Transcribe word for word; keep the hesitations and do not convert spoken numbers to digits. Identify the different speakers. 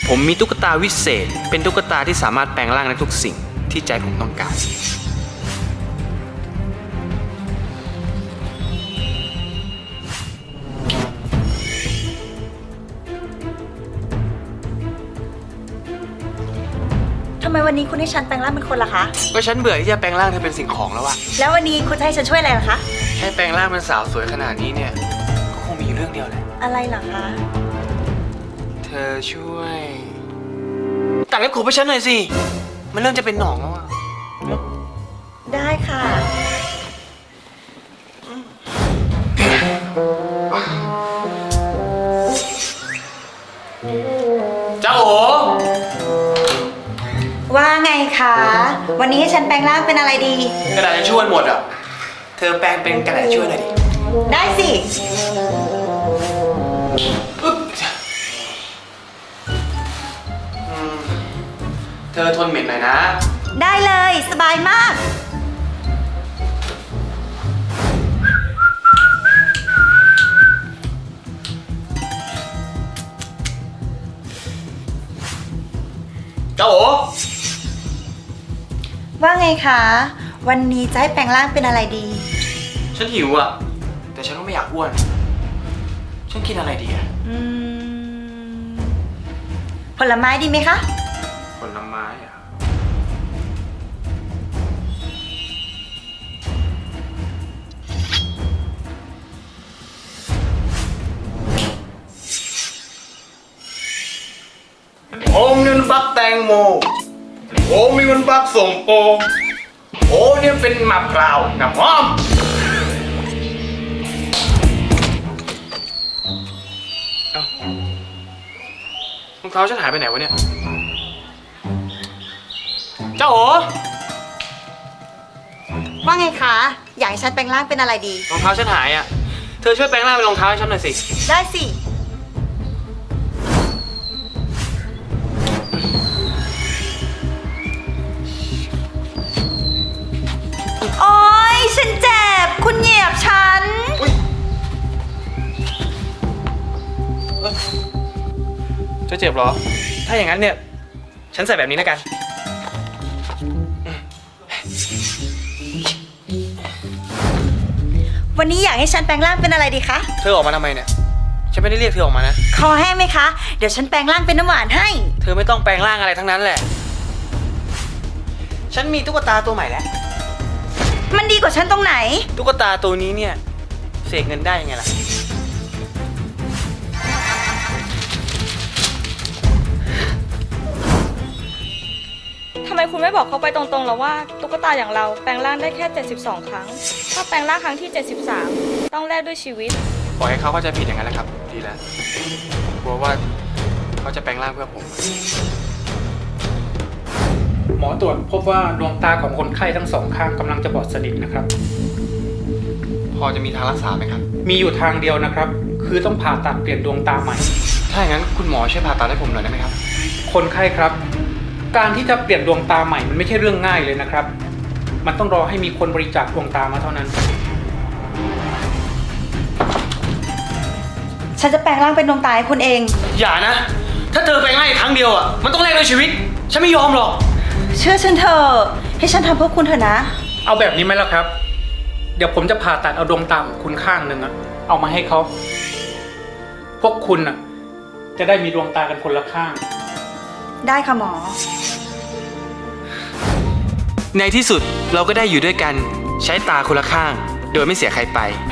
Speaker 1: ผมมีตุ๊กตาวิเศษเป็นตุ๊กตาที่สามารถแปลงร่างในทุกสิ่งที่ใจผมต้องการ
Speaker 2: ทำไมวันนี้คุณให้ฉันแปลงร่างเป็นคนล่ะคะ
Speaker 1: ก็ฉันเบื่อที่จะแปลงร่างเธอเป็นสิ่งของแล้วอะ
Speaker 2: แล้ววันนี้คุณจะให้ฉันช่วยอะไรล่ะคะ
Speaker 1: ให้แปลงร่างเป็นสาวสวยขนาดนี้เนี่ยก็คงมีอยู่เรื่องเดียวแหละ
Speaker 2: อะไรล่ะคะ
Speaker 1: เธอช่วยตัดเล็บขบให้ฉันหน่อยสิมันเริ่มจะเป็นหนองแล้วอะ
Speaker 2: ได้ค่ะ
Speaker 1: เจ้าโอ
Speaker 2: ว่าไงคะวันนี้ให้ฉันแปลงร่างเป็นอะไรดี
Speaker 1: กระดาษจะช่วยหมดอ่ะเธอแปลงเป็นกระดาษช่วยหน่อยดิ
Speaker 2: ได้สิ
Speaker 1: เธอทนเหม็นหน่อยนะ
Speaker 2: ได้เลยสบายมาก
Speaker 1: เจ้าโอ
Speaker 2: ว่าไงคะวันนี้จะให้แปลงร่างเป็นอะไรดี
Speaker 1: ฉันหิวอ่ะแต่ฉันก็ไม่อยากอ้วนฉันกินอะไรดีอ่ะ
Speaker 2: อืมผลไม้ดีไหมคะ
Speaker 1: ผลไม้อ่ะโอมนี่มันบักแตงโมโอมนี่มันบักส่งโปโอ้เนี่ยเป็นมะพร้าวน้ำหอมเอ้ารองเท้าฉันหายไปไหนวะเนี่ยเจ้าโอ
Speaker 2: ว่าไงคะอยากให้ฉันแปลงร่างเป็นอะไรดี
Speaker 1: รองเท้าฉันหายอ่ะเธอช่วยแปลงร่างเป็นรองเท้าให้ฉันหน่อยสิ
Speaker 2: ได้สิโอ๊ยฉันเจ็บคุณเหยียบฉัน
Speaker 1: เธอเจ็บเหรอถ้าอย่างนั้นเนี่ยฉันใส่แบบนี้แล้วกัน
Speaker 2: วันนี้อยากให้ฉันแปลงร่างเป็นอะไรดีคะ
Speaker 1: เธอออกมาทำไมเนี่ยฉันไม่ได้เรียกเธอออกมานะ
Speaker 2: คอแห้งไหมคะเดี๋ยวฉันแปลงร่างเป็นน้ำหวานให้
Speaker 1: เธอไม่ต้องแปลงร่างอะไรทั้งนั้นแหละฉันมีตุ๊กตาตัวใหม่แล้ว
Speaker 2: มันดีกว่าฉันตรงไหน
Speaker 1: ตุ๊กตาตัวนี้เนี่ยเสกเงินได้ยังไงล่ะ
Speaker 3: ทำไมคุณไม่บอกเขาไปตรงๆแล้วว่าตุ๊กตาอย่างเราแปลงร่างได้แค่เจ็ดสิบสองครั้งถ้าแปลงร่างครั้งที่เจ็ดสิบสามต้องแลกด้วยชีวิต
Speaker 1: ปล่อยให้เขาเข้าใจผิดอย่างนั้นแหละครับดีแล้วกลัวว่าเขาจะแปลงร่างเพื่อผม
Speaker 4: หมอตรวจพบว่าดวงตาของคนไข้ทั้งสองข้างกำลังจะบอดสนิทนะครับ
Speaker 1: พอจะมีทางรักษาไหมครับ
Speaker 4: มีอยู่ทางเดียวนะครับคือต้องผ่าตัดเปลี่ยนดวงตาใหม่
Speaker 1: ถ้าอย่างนั้นคุณหมอช่วยผ่าตัดให้ผมหน่อยได้ไหมครับ
Speaker 4: คนไข้ครับการที่จะเปลี่ยนดวงตาใหม่มันไม่ใช่เรื่องง่ายเลยนะครับมันต้องรอให้มีคนบริจาคดวงตามาเท่านั้น
Speaker 2: ฉันจะแปลงร่างเป็นดวงตาให้คุณเอง
Speaker 1: อย่านะถ้าเธอแปลงร่างอีกครั้งเดียวอ่ะมันต้องแลกด้วยชีวิตฉันไม่ยอมหรอก
Speaker 2: เชื่อฉันเถอะให้ฉันทำเพื่อคุณเถอะนะ
Speaker 4: เอาแบบนี้ไหมล่ะครับเดี๋ยวผมจะผ่าตัดเอาดวงตาของคุณข้างหนึ่งอะเอามาให้เขาพวกคุณอะจะได้มีดวงตากันคนละข้าง
Speaker 2: ได้ค่ะหมอ
Speaker 1: ในที่สุดเราก็ได้อยู่ด้วยกันใช้ตาคนละข้างโดยไม่เสียใครไป